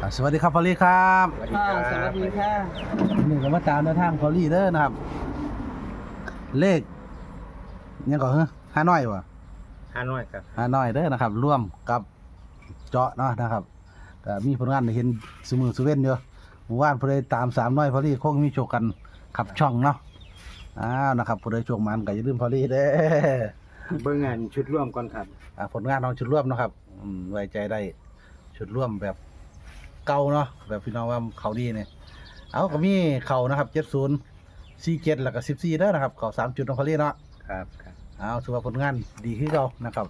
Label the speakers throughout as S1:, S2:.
S1: สวัสดีครับพอลลี่ครับ
S2: สวัสดีค่ะสวัสดีค่ะ
S1: หนึ่งก็มาตามแนวทางพอลลี่เด้อนะครับ เลขยังก่อนห้าน้อยวะ
S2: ฮานอยครับ
S1: ห้าน้อยเด้อนะครับ ร่วมกับเจาะเนาะนะครับก็มีผลงานให้เห็นสมือสเว่นเยอะหมู่บ้านพอได้ตามสามน้อยพอลลี่คงมีโชคกันขับช่องเนาะนะครับพอได้โชคมันก็อย่าลืมพอลลี่เด้อ
S2: เบิ่งงานชุดร่วมก่อนครับ
S1: ผลงานของชุดร่วมนะครับไว้ใจได้ชุดร่วมแบบเก่าเนาะแบบพี่น้องว่าเขาดีเนี่ยเอาก็มีเขานะครับ70 47แล้วก็14เด้อนะครับเขา3 จุดของเขาเรียกเนาะ
S2: ครับครับ
S1: เอาถือว่าผลงานดีขึ้นเรานะครับ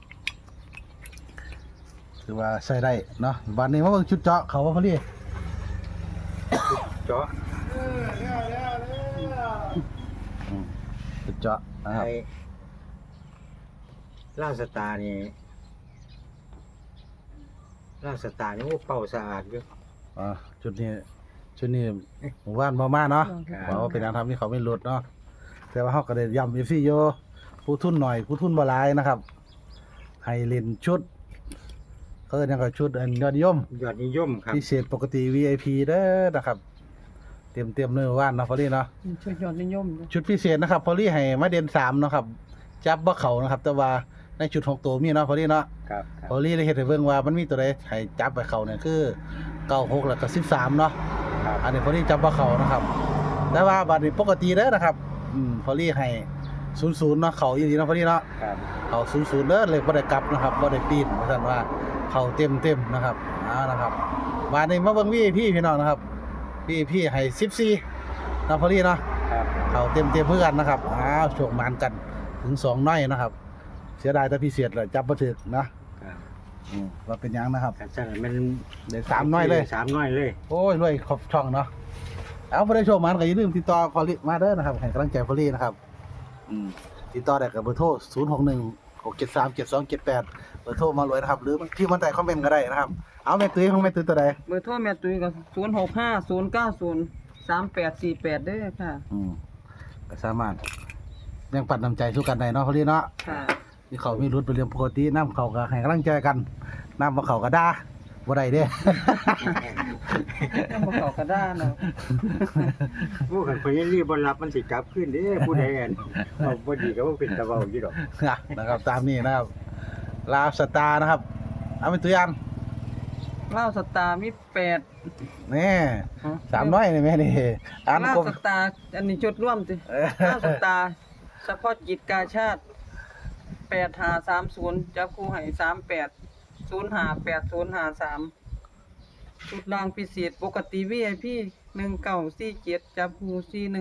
S1: ถือว่าใช้ได้เนาะวันนี้มาเบิ่งชุดเจาะเขาว่าเขาเรียก
S2: เจาะ
S1: ชุดเจาะนะครับ
S2: ไอ้ล่าสตาร์นี่ล่าสตาร์นี่โอ้เป่าสะอาดอยู่
S1: ชุดนี้หมู่บ้านมาเนาะ
S2: ครับ
S1: เพราะว่าเป็นการทำที่เขาไม่ลดเนาะแต่ว่าเขาก็ได้ย้ำ FC โยผู้ทุนหน่อยผู้ทุนบ่หลายนะครับให้เล่นชุดเขาเรียกว่าชุดยอดนิยม
S2: ยอดนิยมครับ
S1: พิเศษปกติ VIP เด้อนะครับเตรียมเนื้อว่านเนาะพอลี่เนาะ
S3: ช่วยยอดนิยม
S1: ชุดพิเศษนะครับพอลี่ให้มาเด่น3เนาะครับจับบ่เข้านะครับแต่ว่าในชุด6ตัวมีเนาะพอลี่เนาะ
S2: ครับครั
S1: พ
S2: บ
S1: อลี่ได้เฮ็ดให้เบิ่งว่ามันมีตัวใดให้จับไปเข้าเนี่ยคือ96แล้วก็13เนาะ
S2: ครับ
S1: อันนี้พอลี่จับบ่เข้านะครับแต่ว่าบัดนี้ปกติเด้อนะครับพอลี่ให้00เนาะเข้าอีหลีเนาะพอลี่เนาะ
S2: ครับ
S1: เข้า00เด้อเลยบ่ได้กลับนะครับบ่ได้ปีนว่าซั่นว่าเข้าเต็มนะครับนะครับบัดนี้มาเบิ่ง VIP พี่น้องนะครับ พี่ให้14นะพอลี่เนาะ
S2: ครับ
S1: เขาเต็มเพื่อกันนะครับโชคมันกันถึง2น้อยนะครับ เสียดายแต่พิเศษเลยจับบ่ถึกนะครับ ว่าเป็นหยังนะครับ
S2: กันซั่นมัน
S1: ได้3น้อยเลย
S2: 3น้อยเลย
S1: โอ้ยรวยครบช่องเนาะเอาบ่ได้โชคมันก็อย่าลืมติดต่อพอลี่มาเด้อนะครับให้กำลังใจพอลี่นะครับติดต่อได้กับเบอร์โทร0616737278เบอร์โทรมารวยนะครับหรือที่มันใต้คอมเมนต์ก็ได้นะครับเอาแม่ตุ้ยของแม่ตุ้ยตัวใด
S3: เบอร์โทรแม่ตุ้ยก็0650903848เด้อค่ะ
S1: ก็สามารถแบ่งปันน้ำใจสู้กันได้เนาะพอลี่เนาะ
S3: ค่ะ
S1: ที่เขามีรุดเป็นเรื่องปกติน้ำเขาก็ให้กำลังใจกันน้ำมาเขาก็ด่าบ่ได้เด้
S3: ต้องมาเข้ากระด้านเนาะ
S2: ผู้คันเพิ่นรีบบ่รับมันสิกลับคืนเด้ผู้ใดอันเอาบ่ดีก็บ่เป็นตะเว้าอยู่ดอก
S1: นะครับตามนี้นะครับลาวสตาร์นะครับเอาเป็นตัวอย่าง
S3: เล่าสตาร์มี8
S1: นี่300นี่แม่นี่อ่าน
S3: เล่าก
S1: ลม
S3: สตาร์อันนี้จุดร่วมสิเล่าสตาร์เฉพาะกิจกาชาติ8530จับคู่ให้38058053ชุดรางพิเศษปกติ VIP 1947จับคู่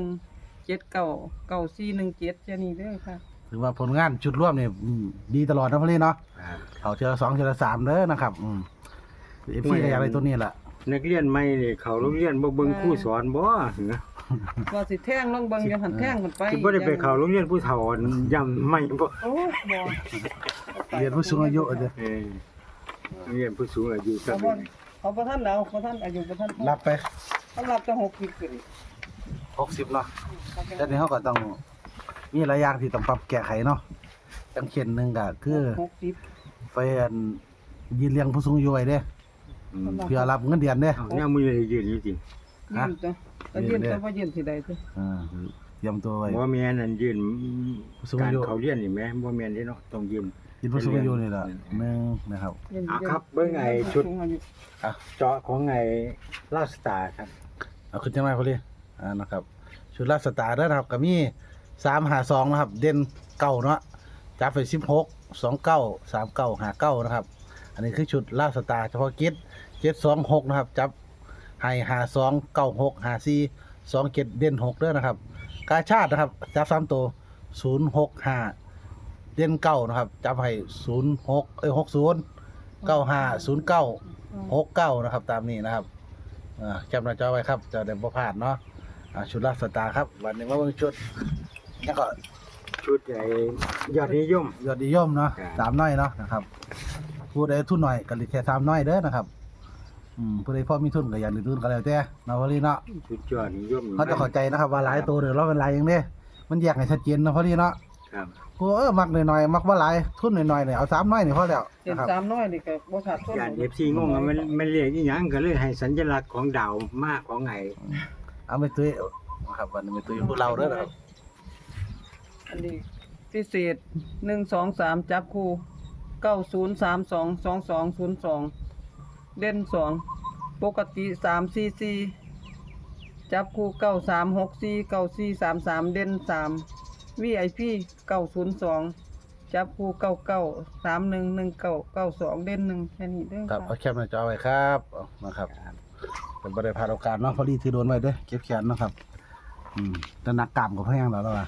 S3: 41799417แค่นี้เด้อค่ะ
S1: ถือว่าผลงานจุดร่วมนี่ดีตลอดนะพอลี่เนาะ
S2: ครับ
S1: เขาเจอ2เจอ3เด้อนะครับเอฟซีก็อยากได้ตัวนี้แหละ
S2: นักเรียนใหม่นี่เขาโรงเรียนบ่เบิ่งครูสอนบ่เหรอ
S3: ว่าสิแท่งลงเบิ่งอยู่หันแท่งขึ้นไป
S2: สิบ่ได้ไปเข้าโรงเรียนผู้เฒ่าย่ำไม่บ่
S3: โอ้บ่
S1: เรียนผู้สูงอายุเด้อ
S2: เออโรงเรียนผู้สูงอายุกัน
S3: เขาบ่ทันเอาบ่ทันอายุบ่ทันพอ
S1: รับไป
S3: เขารับจะ60ขึ้น
S1: 60เนาะแต่นี้เขาก็ต้องมีหลายอย่างที่ต้องปรับแก้ไขเนาะจังเช่นหนึงก็คือ
S3: 60
S1: ไปยืนเลี้ยงผู้สูงอายุไว้เด้
S2: อืม
S1: เพื่อรับเงินเดือนเด้
S2: เอาเนี่ยมือยืนอยู่จริง
S3: ยืนตัวก็ยืนตัวบ่ยืนสิได้ตัว
S1: เตรียมตัวไว้
S2: บ่แม่นอันยืน
S1: ผู้สูง
S2: กา
S1: อาร ยุ
S2: เขาเรียนนี่แม่บ่แม่นเด้เนาะต้องยืน
S1: ยืนผู้สูงอายุนี่แหละหนึ่งนะครับ
S3: ยืน
S2: ครับเบิ่งไอ้ชุด
S3: สูงอายุ
S2: เจาะของไอ้ลาสตาร์ครับ
S1: เอาขึ้นจังไรพอดีนะครับ ชุดลาดสตาร์เด้อนะครับก็มี352นะครับ เด่นเก้าเนาะจับไป16 29 39 59นะครับ อันนี้คือชุดลาดสตาร์เฉพาะกิจ726นะครับจับให้52 96 54 27เด่น6เด้อนะครับ กาชาตินะครับจับ3ตัว065เด่น9นะครับจับให้60 95 09 69นะครับตามนี้นะครับจำหน้าจอไว้ครับจะได้บ่พลาดเนาะชุดลาดสตาร์ครับวันนี้มาเบิ่งชุดแล้วก็
S2: ชุดไอ้ยอดนิยม
S1: ยอดนิยมเนาะ
S2: ครับ
S1: สามน้อยเนาะนะครับผู้ใดทุนหน่อยก็เหลือแค่3น้อยเด้อนะครับผู้ใดพอมีทุนก็อย่าลืมทุนก็แล้วแต่เนาะพอดีเนาะ
S2: ชุดยอดนิยม
S1: เขาจะเข้าใจนะครับว่าหลายตัวเด้อเราเป็นหลายอย่างเด้มันแยกให้ชัดเจนเนาะพอดีเนาะ
S2: คครับ
S1: กูมักหน่อยๆมักบ่หลายทุนหน่อยๆเนี่ยเอา3น้อยนี่พอแล้ว
S3: เห็น
S1: นะครับ
S3: สามน้อยนี่ก็บ่ขาดทุน
S2: ย่าน FC งงว่ามันเรียกอีหยังก็เลยให้สัญลักษณ์ของดาวมากของไง
S1: เอาไปตุ้ยนะครับวันนี้ไปตุ้ยผู้เราเด้อนะครับ
S3: อันนี้พิเศษ1 2 3จับคู่9032 2202เด่น2ปกติ344จับคู่9364 9433เด่น3 VIP 902จับคู่99 3119 92เด่น1แค่นี้เด้อ
S1: ครับ
S3: ค่ะ
S1: เอาแคปหน้าจอไว้ครับเอานะครับเป็นบ่ได้พลาดโอกาสเนาะพอดีถือโดนไว้เด้อเก็บแขนเนาะครับแต่นักกล้ามก็เพิ่นยังแล้วล่ะ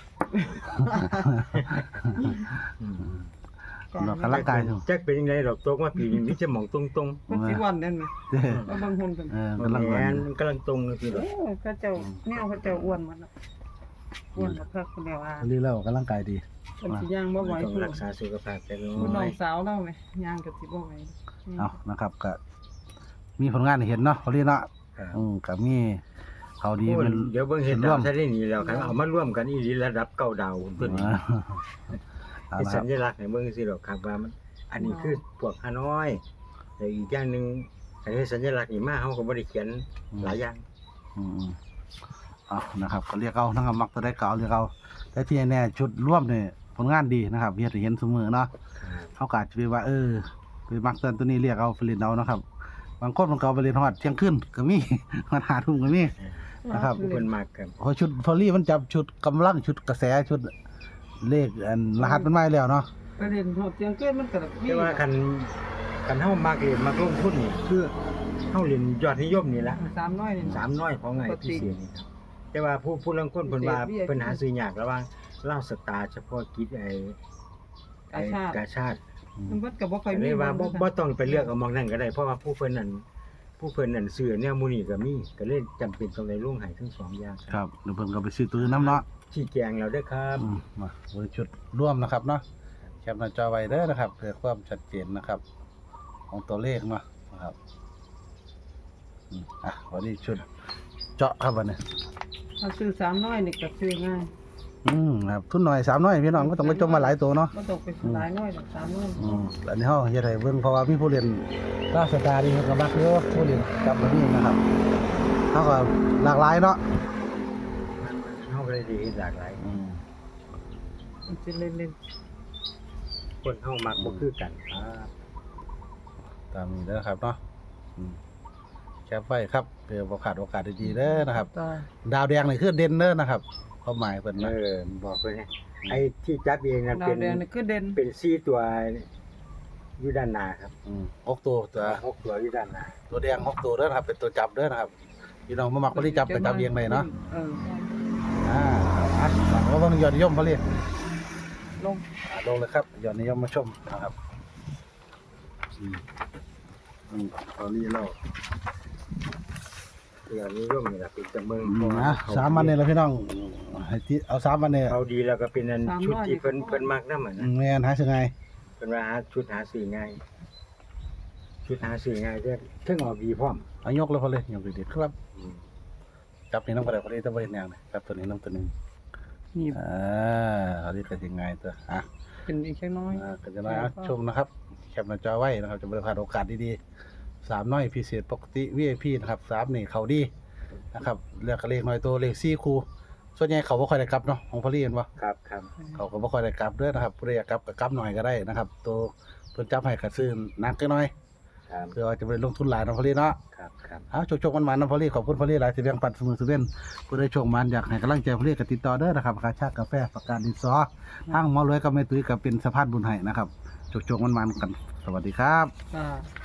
S1: ออกกำลังกายอยู่
S2: จักเป็นยังไงดอกตกมาปีนี้มีจะหมองตรง
S3: มันสิวันนั่นน่ะ
S1: เด้อ
S3: แล้วบางคนเพิ่น
S1: ๆ
S2: ๆ
S1: กำลัง
S2: แห
S1: วัน
S2: มันกำลังตรงเลยพี่ดอก
S3: โอ้เขาเจ้าแนวเขาเจ้าอ้วนมันน่ะอ้วนบักคักคนเดียวอ่ะ
S1: พอดีแล้วกำลังกายดี
S3: เพิ่นสิย่างบ่ไหว
S2: ต้อง
S3: พุ่น
S2: รักษาสุขภาพแต่น้
S3: คุณน้
S2: อ
S3: อย งสาวเล่าไหมย่างก็สิบ่ไหว
S1: เอานะครับก็มีผลงานให้เห็นเนาะพอดีเนาะก็มีเขาดี
S2: โอ้
S1: เป็น
S2: เดี๋ยวเบิ่งเห็น
S1: ร่
S2: ดาว
S1: ม
S2: วซะได้นี่แล้วคันเอามาร่วมกันอีหลีระดับเก้าดาวตัวนี้
S1: เอา
S2: เป็น
S1: ละค
S2: สั
S1: รับ
S2: ญลักษณ์ให้เบิ่งสิดอกครับว่ามันอันนี้คือพวกฮานอยแต่อีกอย่างหนึงอันนี้สัญลักษณ์นี่มาเฮาก็บ่ได้เขียนหลายอย่าง
S1: อืมเอานะครับก็เรียกเอานะครับมักตัวได้เก่าเรียกเอาแต่ที่แน่ๆชุดร่วมเนี่ยผลงานดีนะครับเฮ็ดให้เห็นเสมอเนาะเขาก็อาจจะไปว่าไปมักตัวนี้เรียกเอาไปเล่นเอานะครับบางคนมันก็เอาไปเล่นฮอดเที่ยงคืนก็มี มันหาทุ่มก็มี นะครับ
S2: ผู้เพิ่นมักครับ
S1: เพราะชุดพอลี่มันจับชุดกำลังชุดกระแสชุดเลขอันรหัสมันมาแล้วเนาะ
S3: ประเด็นโหดเจียงเกินมันก็มี
S2: แต่ว่าคันเฮามักเรียนมักลงทุนนี่คือเฮาเรียนยอดนิยมนี่ละ
S3: สามน้อยนี่
S2: สามน้อยของไงพิเศษนี่ครับแต่ว่าผู้ลางคนเพิ่นว่าเพิ่นหาซื้อยากระหว่างเหล้าสตาร์เฉพาะกิจกาชาติ
S3: มันเพิ่นก็บ่ค่อยมี
S2: เลยว่าบ่ต้องไปเลือกเอาหมองนั้นก็ได้เพราะว่าผู้เพิ่นนั่นซื้อแนวหมู่นี้ก็มีก็เลยจำเป็นต้องได้ลงให้ทั้งสองอย่าง
S1: ครับเดี๋ยวเพิ่นก็ไปซื้อตัวอื่นน้ำเนาะ
S2: ชี้แจงแล้วเด้อครับ
S1: มาเบอร์ชุดร่วมนะครับเนาะแคปหน้าจอไว้เด้อนะครับเพื่อความชัดเจนนะครับ ของตัวเลขเนาะนะครับวันนี้ชุดเจาะครับวันนี้
S3: ถ้าซื้อสามน้อยนี่ก็ซื้อง่าย
S1: ครับทุนหน่อย3น้อยพี่น้องก็ต้องไปจมมาหลายตัวเนาะ
S3: บ่ต้องไปหลายน้อยดอกสามน้อย
S1: อันนี้เฮาเฮ็ดให้เบิ่งเพราะว่ามีผู้เรียนราชการนี่ก็มักอยู่ผู้เรียนกลับมานี่นะครับเฮาก็หลากหลายเนาะ
S2: เฮาก็เลยได้เฮ็ดหลากหลาย
S3: มันสิเล่น
S2: คนเฮามักบ่คือกันครับ
S1: ตามนี้เด้อครับเนาะแคปไว้ครับเพื่อบ่ขาดโอกาสดีๆเด้อนะครับ
S3: ตา
S1: ดาวแดงนี่คือเด่นเด้อนะครับความหมายเพิ่นนะ
S2: บอกเพิ่นนะไอ้ที่จับเองน่ะ
S3: ดาว
S2: เป็น
S3: แดงนี่คือเด่น
S2: เป็น4ตัวอยู่ด้านหน้าครับ
S1: 6ตัว
S2: 6ตัวอยู่ด้านหน้า
S1: ตัวแดง6ตัวเด้อนะครับ เป็นตัวจับเด้อนะครับพี่น้องบ่มักบ่ได้จับก็จับเองได้เนาะ ว่าต้องยอดนิยมเขาเรียก
S3: ลง
S1: ลงเลยครับยอดนิยมมาชมนะครับตอนนี้เรา
S2: ที่อันนี้ย่อมนี่ล่ะเป็นจำเมือง
S1: 3 วันเนี่ยเราพี่น้องให้ที่เอา3 วันเนี่ย
S2: เขาดีแล้วก็เป็นอันชุดที่เพิ่นมักนำอ่ะนะ
S1: แม่นหาจังไง
S2: เพิ่นว่าชุดหาซื้อง่ายชุดหาซื้อง่ายเด้อเทั้งออกดีพร้อม
S1: เอายกแล้วพอเลยยกดีๆครับจับนี่น้ำกระดาษพอดีต้องไปเห็นแนวนี่จับตัวนี้น้ำตัวนึง
S3: นี่
S1: เขาเรียกกันยังไงตัว
S3: เป็นอีกแค่น้อย
S1: ก็จะน้อยชมนะครับแคปหน้าจอไว้นะครับจะบริพลาดโอกาสดีๆ3น้อยพิเศษปกติ VIP นะครับ3นี่เขาดีนะครับเลือกเลขน้อยตัวเลข4คู่ส่วนใหญ่เขาบ่ค่อยได้กลับเนาะของพอลี่เห็นบ่
S2: ครับ
S1: เขาก็บ่ค่อยได้กลับเด้อนะครับผู้ใดอยากกลับก็กลับหน่อยก็ได้นะครับตัวเพิ่นจับให้ก็ซื้อหนักจักหน่อย
S2: ครับ
S1: เพื่อว่าจะไปลงทุนหลายเนาะพอลี่เนาะ
S2: ครับ
S1: เอาโชคๆมันๆนะพอลี่ขอบคุณพอลี่หลายที่แบ่งปันเสมอสุเว้นผู้ใดโชคมันอยากให้กำลังใจพอลี่ก็ติดต่อเด้อนะครับค่าชากาแฟประกันดินสอทางหมอรวยกับแม่ตุ้ยก็เป็นสะพานบุญให้นะครับโชคๆมันๆกันสวัสดีครับ
S3: อ่า